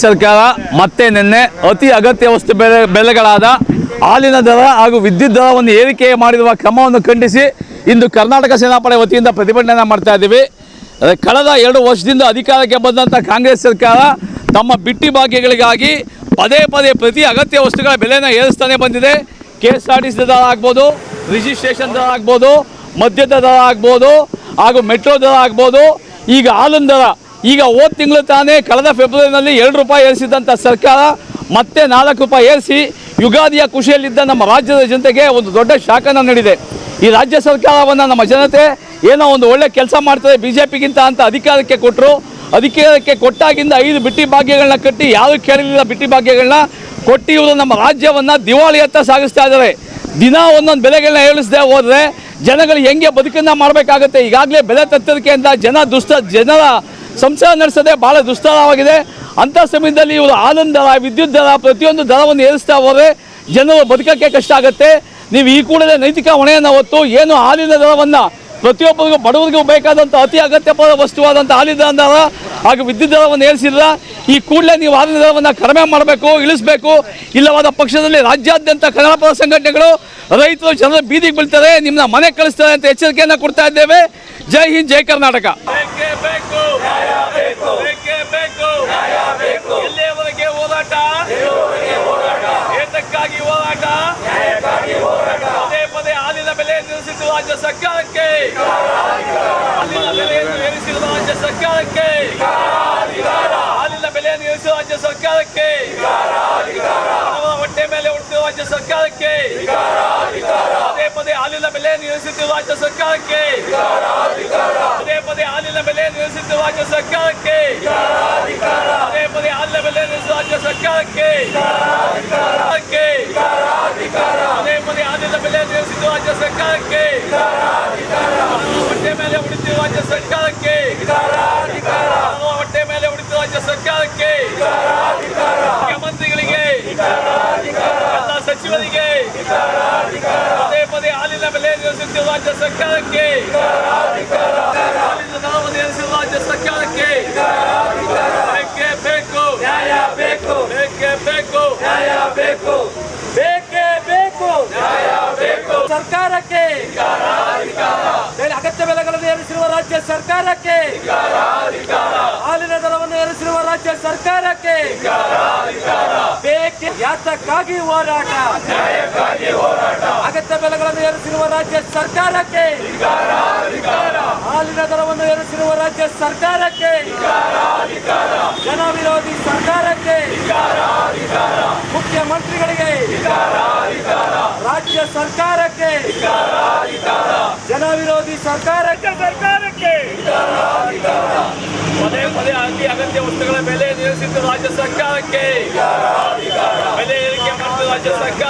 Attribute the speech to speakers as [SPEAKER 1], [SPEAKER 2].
[SPEAKER 1] ಸರ್ಕಾರ ಮತ್ತೆ ನಿನ್ನೆ ಅತಿ ಅಗತ್ಯ ವಸ್ತು ಬೆಲೆಗಳಾದ ಹಾಲಿನ ದರ ಹಾಗೂ ವಿದ್ಯುತ್ ದರವನ್ನು ಏರಿಕೆ ಮಾಡಿರುವ ಕ್ರಮವನ್ನು ಖಂಡಿಸಿ ಇಂದು ಕರ್ನಾಟಕ ಸೇನಾಪಡೆ ವತಿಯಿಂದ ಪ್ರತಿಭಟನೆ ಮಾಡ್ತಾ ಇದ್ದೀವಿ. ಕಳೆದ 2 ವರ್ಷದಿಂದ ಅಧಿಕಾರಕ್ಕೆ ಬಂದಂಥ ಕಾಂಗ್ರೆಸ್ ಸರ್ಕಾರ ತಮ್ಮ ಬಿಟ್ಟಿ ಭಾಗ್ಯಗಳಿಗಾಗಿ ಪದೇ ಪದೇ ಪ್ರತಿ ಅಗತ್ಯ ವಸ್ತುಗಳ ಬೆಲೆನ ಏರಿಸ್ತಾನೆ ಬಂದಿದೆ. KSRTC ದರ ಆಗ್ಬೋದು, ರಿಜಿಸ್ಟ್ರೇಷನ್ ದರ ಆಗ್ಬೋದು, ಮದ್ಯದ ದರ ಆಗ್ಬೋದು ಹಾಗೂ ಮೆಟ್ರೋ ದರ ಆಗ್ಬೋದು, ಈಗ ಹಾಲಿನ ದರ ಈಗ ಹೋದ ತಿಂಗಳು ತಾನೇ ಕಳೆದ ಫೆಬ್ರವರಿನಲ್ಲಿ 2 ರೂಪಾಯಿ ಏರಿಸಿದಂಥ ಸರ್ಕಾರ ಮತ್ತೆ 4 ರೂಪಾಯಿ ಏರಿಸಿ ಯುಗಾದಿಯ ಖುಷಿಯಲ್ಲಿದ್ದ ನಮ್ಮ ರಾಜ್ಯದ ಜನತೆಗೆ ಒಂದು ದೊಡ್ಡ ಶಾಖನ ನೀಡಿದೆ. ಈ ರಾಜ್ಯ ಸರ್ಕಾರವನ್ನು ನಮ್ಮ ಜನತೆ ಏನೋ ಒಂದು ಒಳ್ಳೆ ಕೆಲಸ ಮಾಡ್ತಾರೆ BJPಗಿಂತ ಅಂತ ಅಧಿಕಾರಕ್ಕೆ ಕೊಟ್ಟರು. ಅಧಿಕಾರಕ್ಕೆ ಕೊಟ್ಟಾಗಿಂದ 5 ಬಿಟ್ಟಿ ಭಾಗ್ಯಗಳನ್ನ ಕಟ್ಟಿ ಯಾರು ಕೇಳಲಿಲ್ಲ ಬಿಟ್ಟಿ ಭಾಗ್ಯಗಳನ್ನ ಕೊಟ್ಟು ಇವರು ನಮ್ಮ ರಾಜ್ಯವನ್ನು ದಿವಾಳಿಯತ್ತ ಸಾಗಿಸ್ತಾ ಇದ್ದಾರೆ. ದಿನ ಒಂದೊಂದು ಬೆಲೆಗಳನ್ನ ಏಳಿಸದೆ ಹೋದರೆ ಜನಗಳು ಹೆಂಗೆ ಬದುಕನ್ನು ಮಾಡಬೇಕಾಗುತ್ತೆ. ಈಗಾಗಲೇ ಬೆಲೆ ತತ್ತರಿಕೆಯಿಂದ ಜನರ ಸಂಸಾರ ನಡೆಸೋದೇ ಭಾಳ ದುಸ್ತರವಾಗಿದೆ. ಅಂಥ ಸಮಯದಲ್ಲಿ ಇವರು ಹಾಲಿನ ದರ, ವಿದ್ಯುತ್ ದರ, ಪ್ರತಿಯೊಂದು ದರವನ್ನು ಏರಿಸ್ತಾ ಹೋದರೆ ಜನರು ಬದುಕೋಕ್ಕೆ ಕಷ್ಟ ಆಗುತ್ತೆ. ನೀವು ಈ ಕೂಡಲೇ ನೈತಿಕ ಹೊಣೆಯನ್ನು ಹೊತ್ತು ಏನು ಹಾಲಿನ ದರವನ್ನು ಪ್ರತಿಯೊಬ್ಬರಿಗೂ ಬಡವರಿಗೂ ಬೇಕಾದಂಥ ಅತಿ ಅಗತ್ಯವಾದ ವಸ್ತುವಾದಂಥ ಹಾಲಿನ ದರ ಹಾಗೂ ವಿದ್ಯುತ್ ದರವನ್ನು ಏರಿಸಿಲ್ಲ. ಈ ಕೂಡಲೇ ನೀವು ಹಾಲಿನ ದರವನ್ನು ಕಡಿಮೆ ಮಾಡಬೇಕು, ಇಳಿಸಬೇಕು. ಇಲ್ಲವಾದ ಪಕ್ಷದಲ್ಲಿ ರಾಜ್ಯಾದ್ಯಂತ ಕನ್ನಡಪರ ಸಂಘಟನೆಗಳು, ರೈತರು, ಜನರು ಬೀದಿಗೆ ಬೀಳ್ತಾರೆ, ನಿಮ್ಮನ್ನ ಮನೆ ಕಳಿಸ್ತಾರೆ ಅಂತ ಎಚ್ಚರಿಕೆಯನ್ನು ಕೊಡ್ತಾ ಇದ್ದೇವೆ. ಜೈ ಹಿಂದ್, ಜೈ ಕರ್ನಾಟಕ.
[SPEAKER 2] ಎಲ್ಲಿಯವರೆಗೆ ಹೋರಾಟ? ಏತಕ್ಕಾಗಿ ಹೋರಾಟ? ಪದೇ ಪದೇ ಹಾಲಿನ ಬೆಲೆ ನಿಲ್ಲಿಸಿದ ರಾಜ್ಯ ಸರ್ಕಾರಕ್ಕೆ, ಹಾಲಿನ ಬೆಲೆಯನ್ನು ಏರಿಸಿದ ರಾಜ್ಯ ಸರ್ಕಾರಕ್ಕೆ, ಹಾಲಿನ ಬೆಲೆಯನ್ನು ಏರಿಸಿದ ರಾಜ್ಯ ಸರ್ಕಾರಕ್ಕೆ, ಹೊಟ್ಟೆ ಮೇಲೆ ಉಳಿಸಿದ ರಾಜ್ಯ ಸರ್ಕಾರಕ್ಕೆ, ಪದೇ ಪದೇ ಹಾಲಿನ ಬೆಲೆಯನ್ನು ಏರಿಸಿದ ರಾಜ್ಯ ಸರ್ಕಾರಕ್ಕೆ, ಪದೇ ಪದೇ ಹಾಲಿನ ಬೆಲೆಯನ್ನು ಏರಿಸಿದ ರಾಜ್ಯ ಸರ್ಕಾರಕ್ಕೆ, ಪದೇ ಪದೇ ಹಾಲಿನ ಬೆಲೆಯನ್ನು ಏರಿಸಿದ ರಾಜ್ಯ ಸರ್ಕಾರಕ್ಕೆ, ಪದೇ ಪದೇ ಹಾಲಿನ ಬೆಲೆಯನ್ನು ಏರಿಸಿದ ರಾಜ್ಯ ಸರ್ಕಾರಕ್ಕೆ, ಹೊಟ್ಟೆ ಮೇಲೆ ಉಳಿಸಿದ ರಾಜ್ಯ ಸರ್ಕಾರಕ್ಕೆ, ಹೊಟ್ಟೆ ಮೇಲೆ ಉಳಿಸಿದ ರಾಜ್ಯ ಸರ್ಕಾರಕ್ಕೆ, ಮುಖ್ಯಮಂತ್ರಿಗಳಿಗೆ, ಎಲ್ಲ ಸಚಿವರಿಗೆ, ಪದೇ ಪದೇ ಹಾಲಿನ ಬೆಲೆಯನ್ನು ಏರಿಸಿದ ರಾಜ್ಯ ಸರ್ಕಾರಕ್ಕೆ, ಹಾಲಿನ ದರವನ್ನು ಏರಿಸಿದ ರಾಜ್ಯ ಸರ್ಕಾರಕ್ಕೆ ಬೇಕೇ ಬೇಕು, ನ್ಯಾಯ ಬೇಕು, ಬೇಕೇ ಬೇಕು, ನ್ಯಾಯ ಬೇಕು, ಬೇಕೇ ಬೇಕು, ನ್ಯಾಯ ಬೇಕು. ಸರ್ಕಾರಕ್ಕೆ ಅಗತ್ಯ ಬೆಲೆಗಳನ್ನು ಏರಿಸಿರುವ ರಾಜ್ಯ ಸರ್ಕಾರಕ್ಕೆ, ಹಾಲಿನ ದರವನ್ನು ಏರಿಸಿರುವ ರಾಜ್ಯ ಸರ್ಕಾರಕ್ಕೆ ಬೇಕೆ. ಯಾತಕ್ಕಾಗಿ ಹೋರಾಟ? ಅಗತ್ಯ ಬೆಲೆಗಳನ್ನು ಏರಿಸಿರುವ ರಾಜ್ಯ ಸರ್ಕಾರಕ್ಕೆ, ಹಾಲಿನ ದರವನ್ನು ಏರಿಸಿರುವ ರಾಜ್ಯ ಸರ್ಕಾರಕ್ಕೆ, ಜನ ವಿರೋಧಿ ಸರ್ಕಾರಕ್ಕೆ, ಮುಖ್ಯಮಂತ್ರಿಗಳಿಗೆ, ರಾಜ್ಯ ಸರ್ಕಾರಕ್ಕೆ, ಜನ ವಿರೋಧಿ ಸರ್ಕಾರಕ್ಕೆ ಪದೇ ಪದೇ ಅತಿ ಅಗತ್ಯ ವಸ್ತುಗಳ ಬೆಲೆ ನಿಲ್ಲಿಸಿದ್ದು ರಾಜ್ಯ ಸರ್ಕಾರಕ್ಕೆ, ಬೆಲೆ ಏರಿಕೆ ಮಾಡಿದ ರಾಜ್ಯ ಸರ್ಕಾರ